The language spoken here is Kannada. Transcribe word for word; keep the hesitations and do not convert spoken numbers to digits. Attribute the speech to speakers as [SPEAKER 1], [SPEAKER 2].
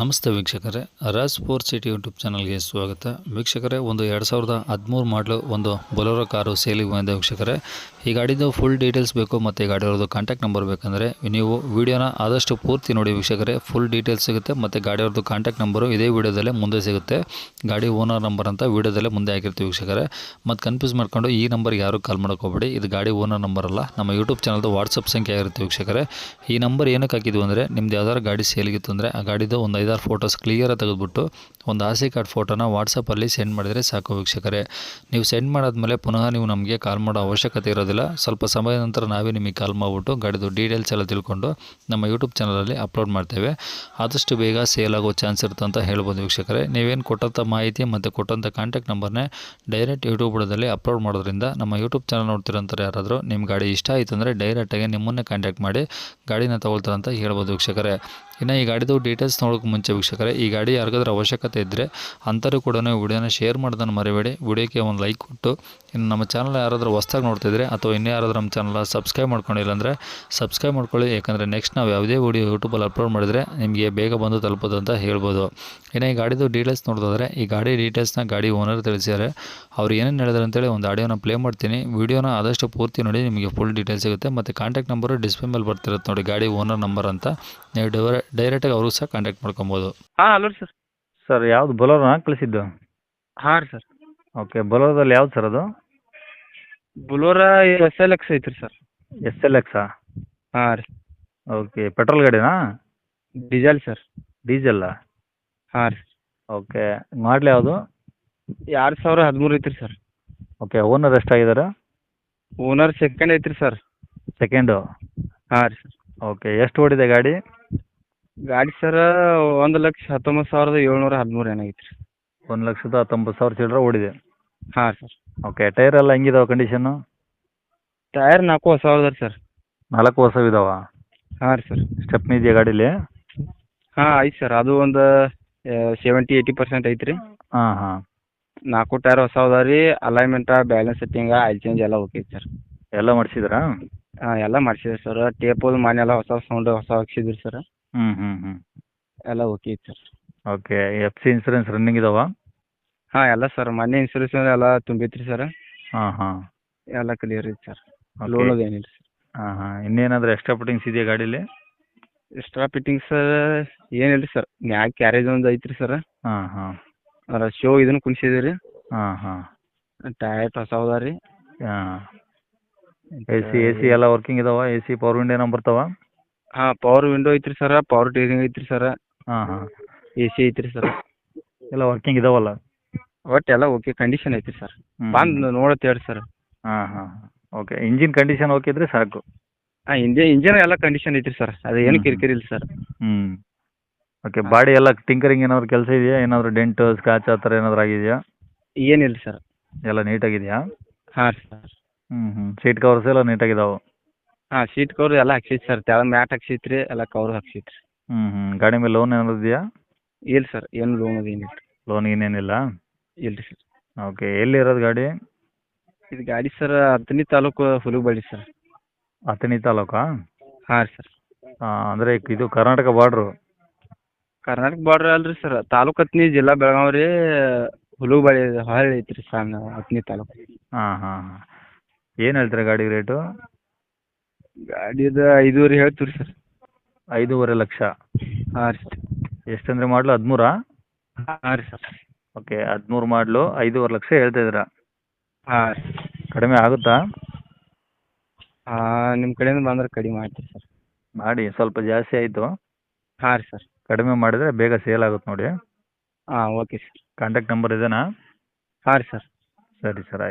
[SPEAKER 1] ನಮಸ್ತೆ ವೀಕ್ಷಕರೇ, ರಾಜ್ ಸ್ಪೋರ್ಟ್ಸ್ ಸಿಟಿ ಯೂಟ್ಯೂಬ್ ಚಾನಲ್ಗೆ ಸ್ವಾಗತ. ವೀಕ್ಷಕರೇ, ಒಂದು ಎರಡು ಸಾವಿರದ ಹದಿಮೂರು ಮಾಡಲು ಒಂದು ಬೊಲೊರೋ ಕಾರು ಸೇಲಿಗೆ ಬಂದಿದೆ ವೀಕ್ಷಕರೇ. ಈ ಗಾಡಿದು ಫುಲ್ ಡೀಟೇಲ್ಸ್ ಬೇಕು ಮತ್ತು ಈ ಗಾಡಿಯವ್ರದ್ದು ಕಾಂಟ್ಯಾಕ್ಟ್ ನಂಬರ್ ಬೇಕಂದರೆ ನೀವು ವಿಡಿಯೋನ ಆದಷ್ಟು ಪೂರ್ತಿ ನೋಡಿ ವೀಕ್ಷಕರೇ. ಫುಲ್ ಡೀಟೇಲ್ಸ್ ಸಿಗುತ್ತೆ ಮತ್ತು ಗಾಡಿಯವ್ರದ್ದು ಕಾಂಟ್ಯಾಕ್ಟ್ ನಂಬರು ಇದೇ ವಿಡಿಯೋದಲ್ಲೇ ಮುಂದೆ ಸಿಗುತ್ತೆ. ಗಾಡಿ ಓನರ್ ನಂಬರ್ ಅಂತ ವಿಡಿಯೋದಲ್ಲೇ ಮುಂದೆ ಹಾಕಿರ್ತೀವಿ ವೀಕ್ಷಕರೇ. ಮತ್ತು ಕನ್ಫ್ಯೂಸ್ ಮಾಡ್ಕೊಂಡು ಈ ನಂಬರ್ಗೆ ಯಾರು ಕಾಲ್ ಮಾಡೋಕೆ ಹೋಗಬೇಡಿ. ಇದು ಗಾಡಿ ಓನರ್ ನಂಬರ್ ಅಲ್ಲ, ನಮ್ಮ ಯೂಟ್ಯೂಬ್ ಚಾನಲ್ದು ವಾಟ್ಸಪ್ ಸಂಖ್ಯೆ ಆಗಿರುತ್ತೆ ವೀಕ್ಷಕರೇ. ಈ ನಂಬರ್ ಏನಕ್ಕೆ ಹಾಕಿದ್ವು ಅಂದರೆ, ನಿಮ್ದು ಯಾವ್ದಾದ್ರು ಗಾಡಿ ಸೇಲಿಗಿತ್ತು ಅಂದರೆ ಆ ಗಾಡಿದು ಒಂದು ಐದಾರು ಫೋಟೋಸ್ ಕ್ಲಿಯರಾಗಿ ತೆಗೆದುಬಿಟ್ಟು ಒಂದು ಆರ್ ಸಿ ಕಾರ್ಡ್ ಫೋಟೋನ ವಾಟ್ಸಪ್ಪಲ್ಲಿ ಸೆಂಡ್ ಮಾಡಿದರೆ ಸಾಕು ವೀಕ್ಷಕರೇ. ನೀವು ಸೆಂಡ್ ಮಾಡಾದ್ಮೇಲೆ ಪುನಃ ನೀವು ನಮಗೆ ಕಾಲ್ ಮಾಡೋ ಅವಶ್ಯಕತೆ ಇರೋದಿಲ್ಲ. ಸ್ವಲ್ಪ ಸಮಯದ ನಂತರ ನಾವೇ ನಿಮಗೆ ಕಾಲ್ ಮಾಡಿಬಿಟ್ಟು ಗಾಡಿದು ಡೀಟೇಲ್ಸ್ ಎಲ್ಲ ತಿಳ್ಕೊಂಡು ನಮ್ಮ ಯೂಟ್ಯೂಬ್ ಚಾನಲಲ್ಲಿ ಅಪ್ಲೋಡ್ ಮಾಡ್ತೇವೆ. ಆದಷ್ಟು ಬೇಗ ಸೇಲ್ ಆಗೋ ಚಾನ್ಸ್ ಇರುತ್ತೆ ಅಂತ ಹೇಳ್ಬೋದು ವೀಕ್ಷಕರೇ. ನೀವೇನು ಕೊಟ್ಟಂಥ ಮಾಹಿತಿ ಮತ್ತು ಕೊಟ್ಟಂಥ ಕಾಂಟ್ಯಾಕ್ಟ್ ನಂಬರ್ನೇ ಡೈರೆಕ್ಟ್ ಯೂಟ್ಯೂಬ್ ಬುಡದಲ್ಲಿ ಅಪ್ಲೋಡ್ ಮಾಡೋದ್ರಿಂದ ನಮ್ಮ ಯೂಟ್ಯೂಬ್ ಚಾನಲ್ ನೋಡ್ತಿರೋಂಥವ್ರು ಯಾರಾದರೂ ನಿಮ್ಮ ಗಾಡಿ ಇಷ್ಟ ಆಯಿತು ಅಂದರೆ ಡೈರೆಕ್ಟಾಗಿ ನಿಮ್ಮನ್ನೇ ಕಾಂಟ್ಯಾಕ್ಟ್ ಮಾಡಿ ಗಾಡಿನ ತೊಗೊಳ್ತಾರೆ ಅಂತ ಹೇಳ್ಬೋದು ವೀಕ್ಷಕರೇ. ಇನ್ನು ಈ ಗಾಡಿದು ಡೀಟೇಲ್ಸ್ ನೋಡೋಕೆ ಮುಂಚೆ ವೀಕ್ಷಕರೇ, ಈ ಗಾಡಿ ಯಾರಿಗಾದ್ರೂ ಅವಶ್ಯಕತೆ ಇದ್ದರೆ ಅಂಥವ್ರು ಕೂಡ ವಿಡಿಯೋನ ಶೇರ್ ಮಾಡೋದನ್ನು ಮರಿಬೇಡಿ. ವಿಡಿಯೋಕ್ಕೆ ಒಂದು ಲೈಕ್ ಕೊಟ್ಟು, ಇನ್ನು ನಮ್ಮ ಚಾನಲ್ ಯಾರಾದರೂ ಹೊಸ್ದಾಗಿ ನೋಡ್ತಿದ್ರೆ ಅಥವಾ ಇನ್ನೂ ಯಾರಾದರೂ ನಮ್ಮ ಚಾನಲ್ ಸಬ್ಸ್ಕ್ರೈಬ್ ಮಾಡ್ಕೊಂಡಿಲ್ಲ ಅಂದರೆ ಸಬ್ಸ್ಕ್ರೈಬ್ ಮಾಡ್ಕೊಳ್ಳಿ. ಯಾಕಂದರೆ ನೆಕ್ಸ್ಟ್ ನಾವು ಯಾವುದೇ ವಿಡಿಯೋ ಯೂಟ್ಯೂಬಲ್ಲಿ ಅಪ್ಲೋಡ್ ಮಾಡಿದರೆ ನಿಮಗೆ ಬೇಗ ಬಂದು ತಲುಪೋದು ಅಂತ ಹೇಳ್ಬೋದು. ಇನ್ನು ಈ ಗಾಡಿದು ಡೀಟೇಲ್ಸ್ ನೋಡಿದ್ರೆ, ಈ ಗಾಡಿ ಡೀಟೇಲ್ಸ್ನ ಗಾಡಿ ಓನರ್ ತಿಳಿಸಿದ್ದಾರೆ. ಅವ್ರು ಏನೇನು ಹೇಳಿದ್ರು ಅಂತೇಳಿ ಒಂದು ಆಡಿಯೋನ ಪ್ಲೇ ಮಾಡ್ತೀನಿ. ವಿಡಿಯೋನ ಆದಷ್ಟು ಪೂರ್ತಿ ನೋಡಿ, ನಿಮಗೆ ಫುಲ್ ಡೀಟೇಲ್ಸ್ ಸಿಗುತ್ತೆ. ಮತ್ತು ಕಾಂಟ್ಯಾಕ್ಟ್ ನಂಬರು ಡಿಸ್ಪ್ಲೇ ಮೇಲೆ ಬರ್ತಿರುತ್ತೆ ನೋಡಿ, ಗಾಡಿ ಓನರ್ ನಂಬರ್ ಅಂತ. ನೀವು ಡೈರೆ ಡೈರೆಕ್ಟಾಗಿ ಅವರು ಸಹ ಕಾಂಟ್ಯಾಕ್ಟ್ ಮಾಡ್ಕೊಬೋದು.
[SPEAKER 2] ಹಾಂ ಹಲೋ ಸರ್.
[SPEAKER 3] ಸರ್ ಯಾವುದು ಬೊಲೊರೋನಾ ಕಳಿಸಿದ್ದು?
[SPEAKER 2] ಹಾಂ ರೀ ಸರ್.
[SPEAKER 3] ಓಕೆ, ಬೊಲೊರೋದಲ್ಲಿ ಯಾವ್ದು ಸರ್ ಅದು?
[SPEAKER 2] ಬುಲೋರಾ ಎಸ್ ಎಲ್ ಎಕ್ಸ್ ಐತ್ರಿ ಸರ್.
[SPEAKER 3] ಎಸ್ ಎಲ್ ಎಕ್ಸಾ?
[SPEAKER 2] ಹಾಂ ರೀ.
[SPEAKER 3] ಓಕೆ, ಪೆಟ್ರೋಲ್ ಗಾಡಿನಾ?
[SPEAKER 2] Diesel sir.
[SPEAKER 3] ಡೀಸೆಲ್ಲಾ?
[SPEAKER 2] ಹಾಂ ರೀ.
[SPEAKER 3] ಓಕೆ, ಮಾಡಲಿ ಯಾವುದು?
[SPEAKER 2] ಎರಡು ಸಾವಿರ ಹದಿಮೂರು ಐತ್ರಿ ಸರ್.
[SPEAKER 3] ಓಕೆ, ಓನರ್ ಎಷ್ಟಾಗಿದ್ದಾರೆ?
[SPEAKER 2] ಓನರ್ ಸೆಕೆಂಡ್ ಐತ್ರಿ ಸರ್.
[SPEAKER 3] ಸೆಕೆಂಡು?
[SPEAKER 2] ಹಾಂ ರೀ ಸರ್.
[SPEAKER 3] ಓಕೆ, ಎಷ್ಟು ಓಡಿದೆ ಗಾಡಿ?
[SPEAKER 2] ಗಾಡಿ ಸರ್ ಒಂದು ಲಕ್ಷ ಹತ್ತೊಂಬತ್ತು ಸಾವಿರದ ಏಳ್ನೂರ ಹದಿಮೂರು ಏನಾಗೈತೆ ರೀ.
[SPEAKER 3] ಒಂದು ಲಕ್ಷದ ಹತ್ತೊಂಬತ್ತು ಸಾವಿರ ಚಿಲ್ಲರೆ ಓಡಿದೆ.
[SPEAKER 2] ಹಾಂ ಸರ್.
[SPEAKER 3] ಓಕೆ, ಟೈರ್ ಎಲ್ಲ ಹೆಂಗಿದಾವೆ ಕಂಡೀಷನ್ನು?
[SPEAKER 2] ಟೈರ್ ನಾಲ್ಕು ಹೊಸ ಅದಾವೆ ಸರ್.
[SPEAKER 3] ನಾಲ್ಕು ಹೊಸವು ಇದಾವ?
[SPEAKER 2] ಹಾಂ ರೀ ಸರ್.
[SPEAKER 3] ಸ್ಟೆಪ್ನಿ ಇದೆಯಾ ಗಾಡೀಲಿ?
[SPEAKER 2] ಹಾಂ ಐತೆ ಸರ್. ಅದು ಒಂದು ಸೆವೆಂಟಿ ಏಯ್ಟಿ ಪರ್ಸೆಂಟ್ ಐತ್ರಿ.
[SPEAKER 3] ಹಾಂ ಹಾಂ.
[SPEAKER 2] ನಾಲ್ಕು ಟೈರ್ ಹೊಸ ಅದಾವೆ ರೀ. Alignment, balance setting, oil change ಎಲ್ಲ ಓಕೆ ಐತೆ ಸರ್.
[SPEAKER 3] ಎಲ್ಲ ಮಾಡಿಸಿದ್ರಾ?
[SPEAKER 2] ಹಾಂ ಎಲ್ಲ ಮಾಡಿಸಿದ್ರಿ ಸರ್. ಟೇಪು ಮನೆ ಎಲ್ಲ ಹೊಸ ಸೌಂಡ್ ಹೊಸ ಹಾಕ್ಸಿದ್ರಿ ಸರ್.
[SPEAKER 3] ಹ್ಞೂ ಹ್ಞೂ ಹ್ಞೂ.
[SPEAKER 2] ಎಲ್ಲ ಓಕೆ ಐತೆ sir.
[SPEAKER 3] Okay, F C insurance running ಇದಾವ?
[SPEAKER 2] ಹಾಂ ಎಲ್ಲ ಸರ್. ಮೊನ್ನೆ ಇನ್ಸೂರೆನ್ಸ್ ಎಲ್ಲ ತುಂಬೈತ್ರಿ ಸರ್.
[SPEAKER 3] ಹಾಂ ಹಾಂ.
[SPEAKER 2] ಎಲ್ಲ ಕ್ಲಿಯರ್ ಐತೆ ಸರ್.
[SPEAKER 3] ಓಕೆ.
[SPEAKER 2] ಲೋನ್ ಅದು ಏನಿಲ್ಲ ಸರ್.
[SPEAKER 3] ಹಾಂ ಹಾಂ. ಇನ್ನೇನಾದರೂ ಎಕ್ಸ್ಟ್ರಾ ಫಿಟ್ಟಿಂಗ್ಸ್ ಇದೆಯಾ ಗಾಡೀಲಿ?
[SPEAKER 2] ಎಕ್ಸ್ಟ್ರಾ ಫಿಟ್ಟಿಂಗ್ಸ್ ಏನಿಲ್ಲ ರೀ ಸರ್. ಮ್ಯಾಗ ಕ್ಯಾರೇಜ್ ಒಂದು ಐತ್ರಿ ಸರ್.
[SPEAKER 3] ಹಾಂ ಹಾಂ.
[SPEAKER 2] ಅದ್ರ ಶೋ ಇದನ್ನು ಕುಣಿಸಿದ್ದೀವಿ ರೀ.
[SPEAKER 3] ಹಾಂ ಹಾಂ.
[SPEAKER 2] ಟೈರ್ ಹೊಸ ಅದಾವೆ ರೀ.
[SPEAKER 3] ಹಾಂ. ಎ ಸಿ ಎ ಸಿ ಎಲ್ಲ ವರ್ಕಿಂಗ್ ಇದಾವ? ಎ ಸಿ ಪವರ್ ವಿಂಡೋ ಏನೋ ಬರ್ತಾವ?
[SPEAKER 2] ಹಾಂ ಪವರ್ ವಿಂಡೋ ಐತ್ರಿ ಸರ್. ಪವರ್ ಟೀರಿಂಗ್ ಐತ್ರಿ ಸರ್.
[SPEAKER 3] ಹಾಂ ಹಾಂ.
[SPEAKER 2] ಎ ಸಿ ಐತ್ರಿ ಸರ್.
[SPEAKER 3] ಎಲ್ಲ ವರ್ಕಿಂಗ್ ಇದಾವಲ್ಲ?
[SPEAKER 2] ಒಟ್ಟು ಎಲ್ಲ ಓಕೆ ಕಂಡೀಷನ್ ಐತ್ರಿ ಸರ್.
[SPEAKER 3] ಹ್ಮ್.
[SPEAKER 2] ಬಂದು ನೋಡತ್ತೆ ಹೇಳಿ ಸರ್.
[SPEAKER 3] ಹಾಂ ಹಾಂ. ಓಕೆ, ಇಂಜಿನ್ ಕಂಡೀಷನ್ ಓಕೆ ಇದ್ರೆ ಸಾಕು?
[SPEAKER 2] ಹಾಂ ಇಂಜನ್ ಇಂಜನ್ ಎಲ್ಲ ಕಂಡೀಷನ್ ಐತ್ರಿ ಸರ್. ಅದು ಏನು
[SPEAKER 3] ಹ್ಮ್.
[SPEAKER 2] ಕಿರಿಕಿರಿ ಇಲ್ಲ ಸರ್.
[SPEAKER 3] ಹ್ಞೂ. ಓಕೆ, ಬಾಡಿ ಎಲ್ಲ ಟಿಂಕರಿಂಗ್ ಏನಾದ್ರು ಕೆಲಸ ಇದೆಯಾ? ಏನಾದರೂ ಡೆಂಟು ಸ್ಕ್ರಾಚ್ ಆ ಥರ ಏನಾದರೂ ಆಗಿದೆಯಾ?
[SPEAKER 2] ಏನಿಲ್ಲ ಸರ್.
[SPEAKER 3] ಎಲ್ಲ ನೀಟಾಗಿದೆಯಾ?
[SPEAKER 2] ಹಾಂ ರೀ ಸರ್.
[SPEAKER 3] ಹ್ಞೂ ಹ್ಞೂ. ಸೀಟ್ ಕವರ್ಸ್ ಎಲ್ಲ ನೀಟಾಗಿದಾವೆ?
[SPEAKER 2] ಹಾಂ ಸೀಟ್ ಕವರ್ ಎಲ್ಲ ಹಾಕ್ಸೈತಿ ಸರ್. ತೆಳಗ್ ಮ್ಯಾಟ್ ಹಾಕ್ಸೈತ್ರಿ. ಎಲ್ಲ ಕವರ್ ಹಾಕ್ಸೈತ್ರಿ.
[SPEAKER 3] ಹ್ಞೂ ಹ್ಞೂ. ಗಾಡಿ ಮೇಲೆ ಲೋನ್ ಏನಾದ್ರು ಇದೆಯಾ?
[SPEAKER 2] ಇಲ್ಲ ಸರ್. ಏನು ಲೋನ್ ಅದು ಏನಿಲ್ಲ ರೀ.
[SPEAKER 3] ಲೋನ್ ಏನೇನಿಲ್ಲ?
[SPEAKER 2] ಇಲ್ಲ ರೀ ಸರ್.
[SPEAKER 3] ಓಕೆ, ಎಲ್ಲಿರೋದು ಗಾಡಿ?
[SPEAKER 2] ಇದು ಗಾಡಿ ಸರ್ ಹತ್ತನೇ ತಾಲೂಕು ಹುಲಗಬಳ್ಳಿ ಸರ್.
[SPEAKER 3] ಅಥಣಿ ತಾಲೂಕಾ?
[SPEAKER 2] ಹಾಂ ರೀ ಸರ್.
[SPEAKER 3] ಹಾಂ, ಅಂದರೆ ಇದು ಕರ್ನಾಟಕ ಬಾರ್ಡ್ರು?
[SPEAKER 2] ಕರ್ನಾಟಕ ಬಾರ್ಡ್ರ್ ಅಲ್ರಿ ಸರ್. ತಾಲೂಕು ಹತ್ತನೇ, ಜಿಲ್ಲಾ ಬೆಳಗಾವಿ ರೀ. ಹುಲಗಬಳ್ಳಿ ಹೊಳ್ಳಿ ಐತ್ರಿ ಸರ್ ಹತ್ತನೇ ತಾಲೂಕು.
[SPEAKER 3] ಹಾಂ ಹಾಂ ಹಾಂ. ಏನು ಹೇಳ್ತೀರಾ ಗಾಡಿ ರೇಟು?
[SPEAKER 2] ಗಾಡಿದು ಐದೂವರೆ ಹೇಳ್ತೀವಿ ರೀ ಸರ್.
[SPEAKER 3] ಐದೂವರೆ ಲಕ್ಷ?
[SPEAKER 2] ಹಾಂ ರೀ ಸರ್.
[SPEAKER 3] ಎಷ್ಟಂದರೆ ಮಾಡಲು? ಹದಿಮೂರಾ?
[SPEAKER 2] ಹಾಂ ರೀ ಸರ್.
[SPEAKER 3] ಓಕೆ, ಹದಿಮೂರು ಮಾಡಲು ಐದೂವರೆ ಲಕ್ಷ ಹೇಳ್ತಾ ಇದ್ದೀರಾ?
[SPEAKER 2] ಹಾಂ ರೀ.
[SPEAKER 3] ಕಡಿಮೆ ಆಗುತ್ತಾ?
[SPEAKER 2] ಹಾಂ ನಿಮ್ಮ ಕಡೆಯಿಂದ ಬಂದ್ರೆ ಕಡಿಮೆ ಮಾಡ್ತೀವಿ ಸರ್.
[SPEAKER 3] ಮಾಡಿ, ಸ್ವಲ್ಪ ಜಾಸ್ತಿ ಆಯಿತು.
[SPEAKER 2] ಹಾಂ ರೀ ಸರ್.
[SPEAKER 3] ಕಡಿಮೆ ಮಾಡಿದರೆ ಬೇಗ ಸೇಲ್ ಆಗುತ್ತೆ ನೋಡಿ.
[SPEAKER 2] ಹಾಂ ಓಕೆ ಸರ್.
[SPEAKER 3] ಕಾಂಟ್ಯಾಕ್ಟ್ ನಂಬರ್ ಇದೇನಾ?
[SPEAKER 2] ಹಾಂ ರೀ ಸರ್.
[SPEAKER 3] ಸರಿ ಸರ್, ಆಯ್ತು.